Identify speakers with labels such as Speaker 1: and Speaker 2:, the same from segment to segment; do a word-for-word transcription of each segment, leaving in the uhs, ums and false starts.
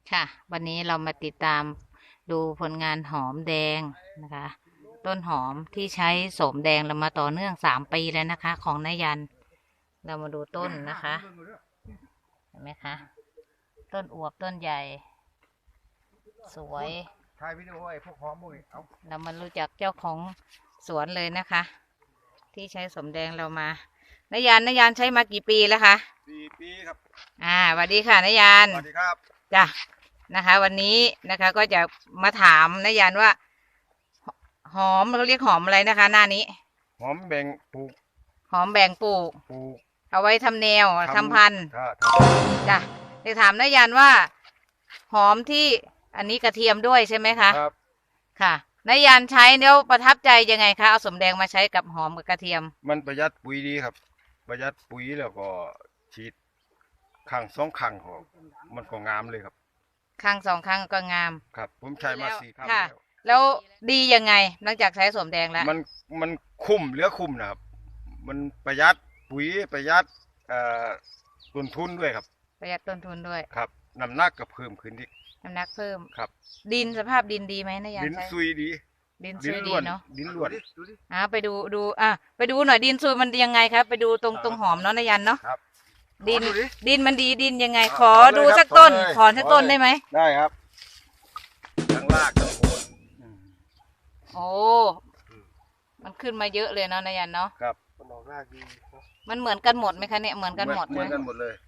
Speaker 1: ค่ะวันนี้เรามาติดตามดูผลงานหอมแดงนะคะ ต้นหอมที่ใช้โสมแดงเรามาต่อเนื่องสามปีแล้วนะคะ ของนายัน เรามาดูต้นนะคะเห็นไหมคะต้นอวบต้นใหญ่ สวย
Speaker 2: ถ่ายวิดีโอไอ้พวกหอมพวกนี้เอา
Speaker 1: เรามารู้จักเจ้าของสวนเลยนะคะ ที่ใช้โสมแดงเรามานายันนายันใช้มากี่ปีแล้วคะ
Speaker 2: สี่ปีครับ
Speaker 1: อ่าสวัสดีค่ะนายัน
Speaker 2: สวัสดีครับ
Speaker 1: จ้ะนะคะวันนี้นะคะก็จะมาถามนายันว่าหอมเขาเรียกหอมอะไรนะคะ หน้านี้
Speaker 2: หอมแบ่งปลูก
Speaker 1: หอมแบ่งปลูก
Speaker 2: ปลูก
Speaker 1: เอาไว้ทำแนวทำพันธุ์จ้ะจะถามนายันว่าหอมที่อันนี้กระเทียมด้วยใช่ไหมคะ
Speaker 2: ครับ
Speaker 1: ค่ะนายันใช้แล้วประทับใจยังไงคะเอาสมแดงมาใช้กับหอมกับกระเทียม
Speaker 2: มันประหยัดปุ๋ยดีครับประหยัดปุ๋ยแล้วก็ฉีดข้างสองข้างของมันก็งามเลยครับ
Speaker 1: ข้างสองข้างก็งาม
Speaker 2: ครับผมใช้มาสี่ครั้ง
Speaker 1: แล้วแล้วดียังไงหลังจากใช้สมแดงแล้ว
Speaker 2: มันมันคุ้มเหลือคุ้มนะครับมันประหยัดปุ๋ยประหยัดเอ่อต้นทุนด้วยครับ
Speaker 1: ประหยัดต้นทุนด้วย
Speaker 2: ครับน้ำหนักก็เพิ่มขึ้นอีก
Speaker 1: น้ำหนักเพิ่ม
Speaker 2: ครับ
Speaker 1: ดินสภาพดินดีไหมนายัน
Speaker 2: ดินซุยดี
Speaker 1: ดินซุยดีเนาะ
Speaker 2: ดินล้วน
Speaker 1: อ่าไปดูดูอ่ะไปดูหน่อยดินซุยมันยังไงครับไปดูตรงตรงหอมเนาะนายันเนาะดินดินมันดีดินยังไงขอดูสักต้นขอสักต้นได้ไหม
Speaker 2: ได้ครับทั้งรากทั้งโคน
Speaker 1: โอ้มันขึ้นมาเยอะเลยเนาะนายันเนาะ
Speaker 2: ครับมันออกรากดี
Speaker 1: มันเหมือนกันหมดไหมคะเนี่ยเหมือนกันหมด
Speaker 2: เหมือนกันหมดเลย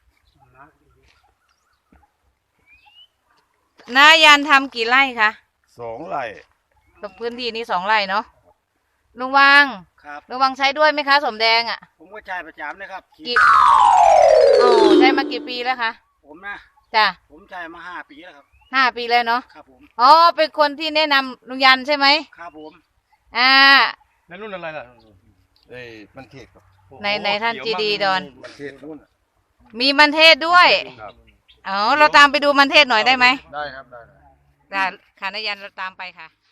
Speaker 1: นายันทำกี่ไร่คะ
Speaker 2: สองไร่
Speaker 1: ตรงพื้นที่นี้สองไร่เนาะลุงวัง
Speaker 3: ครับ
Speaker 1: ลุงวังใช้ด้วยไหมคะสมแดงอ่ะ
Speaker 3: ผมก็ใช้ประจำนะครับ
Speaker 1: กี่โอ้ใช้มากี่ปีแล้วคะ
Speaker 3: ผมนะ
Speaker 1: จ้ะ
Speaker 3: ผมใช้มาห้าปีแล้วครับ
Speaker 1: ห้าปีแล้วเนาะ
Speaker 3: ครับผม
Speaker 1: อ๋อเป็นคนที่แนะนำลุงยันใช่ไหม
Speaker 3: ครับผม
Speaker 1: อ่า
Speaker 2: ในรุ่นอะไรล่ะเอ้มันเทศครับ
Speaker 1: ในในท่านจีดีดอน
Speaker 2: มันเทศรุ่น
Speaker 1: มีมันเทศด้วยอ๋อเราตามไปดูมันเทศหน่อยได้ไหม
Speaker 2: ได้ครับได้
Speaker 1: ได้ค่ะนายันเราตามไปค่ะ